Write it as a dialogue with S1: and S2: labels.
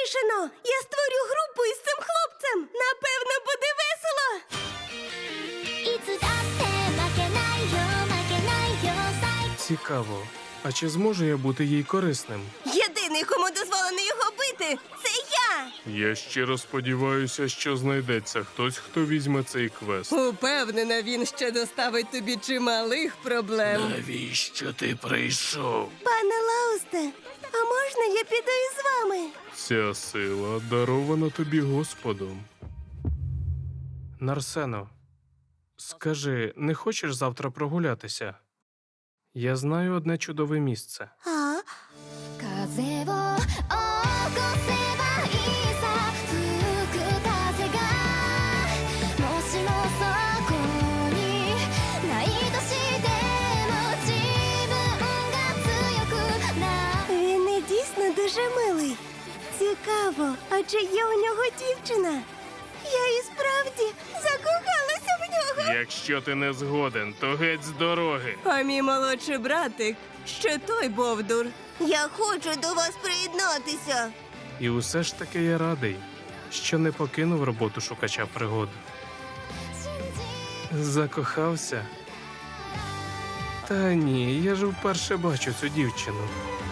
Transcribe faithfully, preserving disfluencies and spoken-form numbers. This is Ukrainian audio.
S1: вирішено! Я створю групу із цим хлопцем! Напевно, буде весело!
S2: いつだって負けないよ負けないよ最
S3: Цікаво. А чи зможу я бути їй корисним?
S1: Єдиний, кому дозволено його бити, це я!
S3: Я щиро сподіваюся, що знайдеться хтось, хто візьме цей квест.
S1: Упевнена, він ще доставить тобі чималих проблем.
S3: Навіщо ти прийшов?
S1: Пане Лаусте, а можна я піду із вами?
S3: Ця сила дарована тобі Господом. Нарсено, скажи, не хочеш завтра прогулятися? Я знаю одне чудове місце.
S1: А?
S2: 風を起こせばいいさ吹く風がもしもそこにないとしても自分が強くな
S1: Він не дійсно дуже милий. Цікаво, а чи є у нього дівчина? Я і справді закохалася в нього.
S3: Якщо ти не згоден, то геть з дороги.
S1: А мій молодший братик ще той бовдур. Я хочу до вас приєднатися.
S3: І усе ж таки я радий, що не покинув роботу шукача пригод. Закохався? Та ні, я ж вперше бачу цю дівчину.